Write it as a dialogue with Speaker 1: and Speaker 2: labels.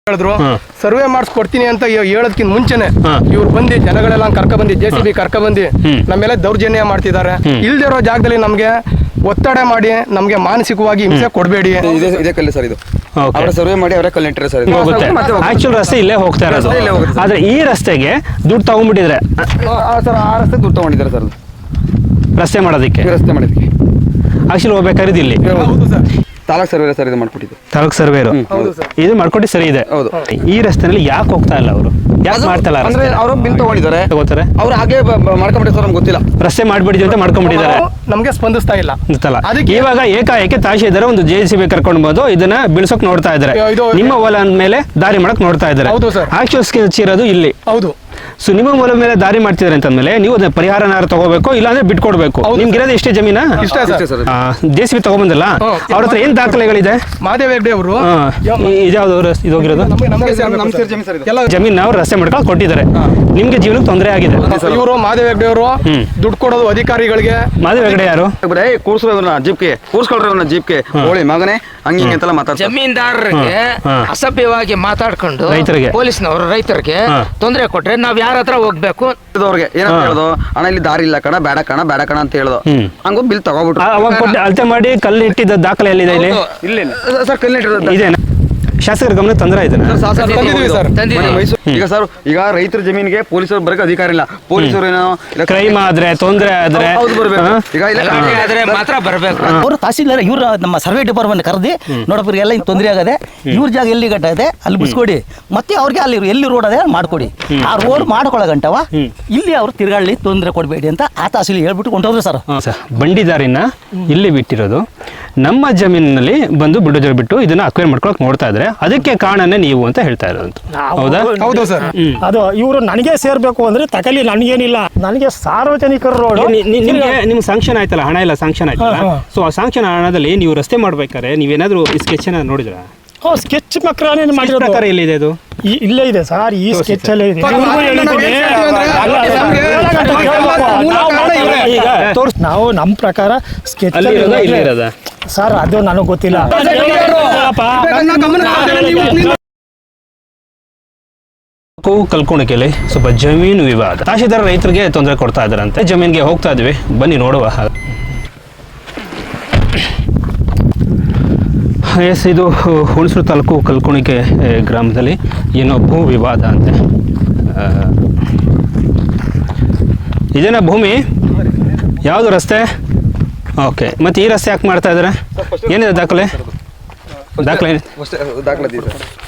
Speaker 1: ಹೇಳಿದ್ರು ಸರ್ವೆ ಮಾಡಿಸ್ಕೊಡ್ತೀನಿ ಅಂತ ಹೇಳೋದಕ್ಕಿಂತ ಮುಂಚೆನೆ ಇವ್ರು ಬಂದು ಜನಗಳೆಲ್ಲ ಕರ್ಕೊಬಂದು JCB ಕರ್ಕೊಬಂದು ನಮ್ಮೆಲ್ಲ ದೌರ್ಜನ್ಯ ಮಾಡ್ತಿದ್ದಾರೆ. ಇಲ್ದಿರೋ ಜಾಗದಲ್ಲಿ ನಮ್ಗೆ ಒತ್ತಡ ಮಾಡಿ ನಮ್ಗೆ ಮಾನಸಿಕವಾಗಿ ಹಿಂಸೆ ಕೊಡಬೇಡಿ.
Speaker 2: ಇದೇ ಕಲ್ಲು ಸರ್, ಇದು ಅವರ ಸರ್ವೆ ಮಾಡಿ ಅವರೇ ಕಲ್ಲು ನೆಟ್ಟಿರೋ ಸರ್.
Speaker 3: ಆಕ್ಚುಲ್ ರಸ್ತೆ ಇಲ್ಲೇ ಹೋಗ್ತಾ ಇರೋದು, ಆದ್ರೆ ಈ ರಸ್ತೆಗೆ ದುಡ್ಡು ತಗೊಂಡ್ಬಿಟ್ಟಿದ್ರೆ
Speaker 2: ಸರ್ ಆ ರಸ್ತೆ ದುಡ್ಡು ತಗೊಂಡಿದ್ದಾರೆ ಸರ್,
Speaker 3: ರಸ್ತೆ ಮಾಡೋದಕ್ಕೆ ಆಕ್ಚುಲಿ ಹೋಗ್ಬೇಕಾದ್ರೆ ಇಲ್ಲಿ
Speaker 2: ತಾಲೂಕ್ ಸರ್ವೆ ಸರ್ ಇದು ಮಾಡ್ಕೊಟ್ಟಿದ್ದು.
Speaker 3: ತಾಲೂಕ್ ಸರ್ವೇರು ಇದು ಮಾಡ್ಕೊಟ್ಟು ಸರಿ ಇದೆ. ಈ ರಸ್ತೆನಲ್ಲಿ ಯಾಕೆ ಹೋಗ್ತಾ ಇಲ್ಲ ಅವರು? ಯಾಕೆ ಮಾಡ್ತಾ ಇಲ್ಲ?
Speaker 2: ಅಂದ್ರೆ ಅವರು ಬಿಲ್ ತಗೊಂಡಿದ್ದಾರೆ, ತಗೋತಾರೆ ಅವ್ರು ಹಾಗೆ ಮಾಡ್ಕೊಂಡ್ಬಿಟ್ಟು ಸರ್, ನಮ್ಗೆ ಗೊತ್ತಿಲ್ಲ.
Speaker 3: ರಸ್ತೆ ಮಾಡ್ಬಿಡಿದ್ವಿ ಅಂತ ಮಾಡ್ಕೊಂಡ್ಬಿಟ್ಟಿದ್ದಾರೆ,
Speaker 1: ನಮ್ಗೆ ಸ್ಪಂದಿಸ್ತಾ ಇಲ್ಲ.
Speaker 3: ಅದಕ್ಕೆ ಇವಾಗ ಏಕಾಏಕಿ ತಹಶೀಲ್ದಾರ್ ಒಂದು JCB ಕರ್ಕೊಂಡು ಬಂದು ಇದನ್ನ ಬಿಳ್ಸೋಕ್ ನೋಡ್ತಾ ಇದ್ದಾರೆ. ನಿಮ್ಮ ಹೊಲ ಮೇಲೆ ದಾರಿ ಮಾಡಕ್ ನೋಡ್ತಾ ಇದ್ದಾರೆ. ಆಕ್ಚುಲ್ ಸ್ಕೆಚ್ ಇರೋದು ಇಲ್ಲಿ. ಹೌದು. ಸೊ ನಿಮ್ಮ ಹೊಲ ಮೇಲೆ ದಾರಿ ಮಾಡ್ತಿದ್ದಾರೆ ಅಂತಂದ್ಮೇಲೆ ನೀವು ಅದನ್ನ ಪರಿಹಾರನಾರು ತಗೋಬೇಕು, ಇಲ್ಲಾಂದ್ರೆ ಬಿಟ್ಕೊಡ್ಬೇಕು. ನಿಮ್ಗೆ ಇರೋದು ಎಷ್ಟೇ ಜಮೀನಾ? JCB ತಗೊಂಬಂದಲ್ಲ, ಅವ್ರ ಹತ್ರ ಏನ್ ದಾಖಲೆಗಳಿದೆ?
Speaker 1: ಮಾದೇವ್ ಹೆಗ್ಡೆ ಅವರು
Speaker 3: ಇದ್ಯಾವ್ದು ಇದು ಹೋಗಿರೋದು ಜಮೀನ್ ಅವ್ರು ರಸ್ತೆ ಮಾಡ್ಕೊಂಡು ಕೊಟ್ಟಿದ್ದಾರೆ. ನಿಮ್ಗೆ ಜೀವನಕ್ಕೆ ತೊಂದರೆ ಆಗಿದೆ.
Speaker 1: ಇವರು ಮಾದೇವ್ ಹೆಗ್ಡೆ ಅವರು ದುಡ್ಡು ಕೊಡೋದು ಅಧಿಕಾರಿಗಳಿಗೆ.
Speaker 3: ಮಾದೇವ್ ಹೆಗ್ಡೆ ಯಾರು?
Speaker 2: ಕೂರ್ಸ್ಕೊಳ್ರಿ ಜೀಪ್ಗೆ ಹೋಳಿ ಮಗನೇ ಹಂಗೆ ಅಂತೆಲ್ಲ ಮಾತಾಡ್ತಾರೆ.
Speaker 4: ಜಮೀನ್ದಾರರಿಗೆ ಅಸಭ್ಯವಾಗಿ ಮಾತಾಡ್ಕೊಂಡು ಪೊಲೀಸ್ನವರು ರೈತರಿಗೆ ತೊಂದರೆ ಕೊಟ್ರೆ ನಾವ್ ಯಾರ ಹತ್ರ ಹೋಗ್ಬೇಕು?
Speaker 2: ಅವ್ರಿಗೆ ಏನಂತ ಹೇಳೋದು, ಅಣ್ಣ ಇಲ್ಲಿ ದಾರಿ ಇಲ್ಲ ಕಣ, ಬೇಡ ಕಣ ಅಂತ ಹೇಳೋದು. ಹಂಗ ಬಿಲ್ ತಗೋಬಿಟ್ಟು
Speaker 3: ಅಳತೆ ಮಾಡಿ ಕಲ್ಲು ಇಟ್ಟಿದ್ದ ದಾಖಲೆ ಎಲ್ಲಿದೆ? ಇಲ್ಲಿ
Speaker 2: ಸರ್ ಕಲ್ಲು ಇಟ್ಟಿರೋದು
Speaker 3: ಇದೆ. ಶಾಸಕರ ಗಮನ ತಂದ್ರೆ ಇದನ್ನ
Speaker 2: ಈಗ ಸರ್, ಈಗ ರೈತರ ಜಮೀನಿಗೆ ಪೊಲೀಸರು ಬರಕ್ಕೆ ಅಧಿಕಾರ ಇಲ್ಲ. ಪೊಲೀಸರು ಏನೋ
Speaker 3: ಕ್ರೈಮ್ ಆದ್ರೆ ತೊಂದರೆ ಆದ್ರೆ
Speaker 4: ಮಾತ್ರ ಬರ್ಬೇಕು.
Speaker 5: ಅವರು ತಹಸೀಲ್ದಾರ್ ಇವ್ರು ನಮ್ಮ ಸರ್ವೆ ಡಿಪಾರ್ಟ್ಮೆಂಟ್ ಕರೆದಿ ನೋಡಪ್ಪ ಎಲ್ಲ ತೊಂದರೆ ಆಗದೆ, ಇವ್ರ ಜಾಗ ಎಲ್ಲಿ ಗಂಟ ಇದೆ ಅಲ್ಲಿ ಬಿಡಿಸ್ಕೊಡಿ, ಮತ್ತೆ ಅವ್ರಿಗೆ ಅಲ್ಲಿ ಎಲ್ಲಿ ರೋಡ್ ಅದೇ ಮಾಡ್ಕೊಡಿ. ಆ ರೋಡ್ ಮಾಡ್ಕೊಳ್ಳೋ ಗಂಟವ ಇಲ್ಲಿ ಅವ್ರು ತಿರ್ಗಾಳಿ ತೊಂದರೆ ಕೊಡಬೇಡಿ ಅಂತ ಆ ತಹಸೀಲ್ ಹೇಳ್ಬಿಟ್ಟು ಕೊಂಡೋದ್ರು ಸರ್.
Speaker 3: ಬಂಡಿದಾರಿನ ಇಲ್ಲಿ ಬಿಟ್ಟಿರೋದು ನಮ್ಮ ಜಮೀನಿನಲ್ಲಿ ಬಂದು ಬಿಡೋದ್ರ ಬಿಟ್ಟು ಇದನ್ನ ಅಕ್ವೈರ್ ಮಾಡ್ಕೊಳಕ್ ನೋಡ್ತಾ ಇದ್ರೆ ಅದಕ್ಕೆ ಕಾರಣನೇ ನೀವು ಅಂತ ಹೇಳ್ತಾ ಇರೋದು. ಹೌದಾ?
Speaker 1: ಹೌದು ಸರ್.
Speaker 6: ಅದು ಇವರು ನನಗೆ ಸೇರ್ಬೇಕು ಅಂದ್ರೆ ತಕಲಿ ನನಗೇನಿಲ್ಲ, ನನಗೆ ಸಾರ್ವಜನಿಕರ ರೋಡ್
Speaker 3: ನಿಮ್ಗೆ ಸ್ಯಾಂಕ್ಷನ್ ಆಯ್ತಲ್ಲ, ಹಣ ಎಲ್ಲ ಸ್ಯಾಂಕ್ಷನ್ ಆಯ್ತಲ್ಲ. ಸೊ ಆ ಸ್ಯಾಂಕ್ಷನ್ ಹಣದಲ್ಲಿ ನೀವು ರಸ್ತೆ ಮಾಡ್ಬೇಕಾದ್ರೆ ನೀವೇನಾದ್ರೂ ಸ್ಕೆಚ್ ಅನ್ನ ನೋಡಿದ್ರ?
Speaker 6: ಸ್ಕೆಚ್ ಪ್ರಕಾರ
Speaker 3: ಎಲ್ಲಿದೆ ಅದು?
Speaker 6: ಇಲ್ಲೇ ಇದೆ ಸರ್, ಈ ಸ್ಕೆಚ್ ಅಲ್ಲೇ ಇದೆ. ನಾವು ನಮ್ಮ ಪ್ರಕಾರ ಸ್ಕೆಚ್ ಸರ್, ಅದು ನನಗೆ ಗೊತ್ತಿಲ್ಲ.
Speaker 3: ಕಲ್ಕೊಣಿಕೆಯಲ್ಲಿ ಸ್ವಲ್ಪ ಜಮೀನು ವಿವಾದ, ತಹಶೀಲ್ದಾರ್ ರೈತರಿಗೆ ತೊಂದರೆ ಕೊಡ್ತಾ ಇದ್ದಾರಂತೆ. ಜಮೀನಿಗೆ ಹೋಗ್ತಾ ಇದ್ವಿ, ಬನ್ನಿ ನೋಡುವ. ಎಸ್, ಇದು ಹುಣಸೂರು ತಾಲೂಕು ಕಲ್ಕೊಣಿಕೆ ಗ್ರಾಮದಲ್ಲಿ ಏನೋ ಭೂ ವಿವಾದ ಅಂತೆ. ಇದೇನಾ ಭೂಮಿ? ಯಾವುದು ರಸ್ತೆ? ಓಕೆ, ಮತ್ತೆ ಈ ರಸ್ತೆ ಯಾಕೆ ಮಾಡ್ತಾ ಇದ್ದಾರೆ? ಏನಿದೆ ದಾಖಲೆ?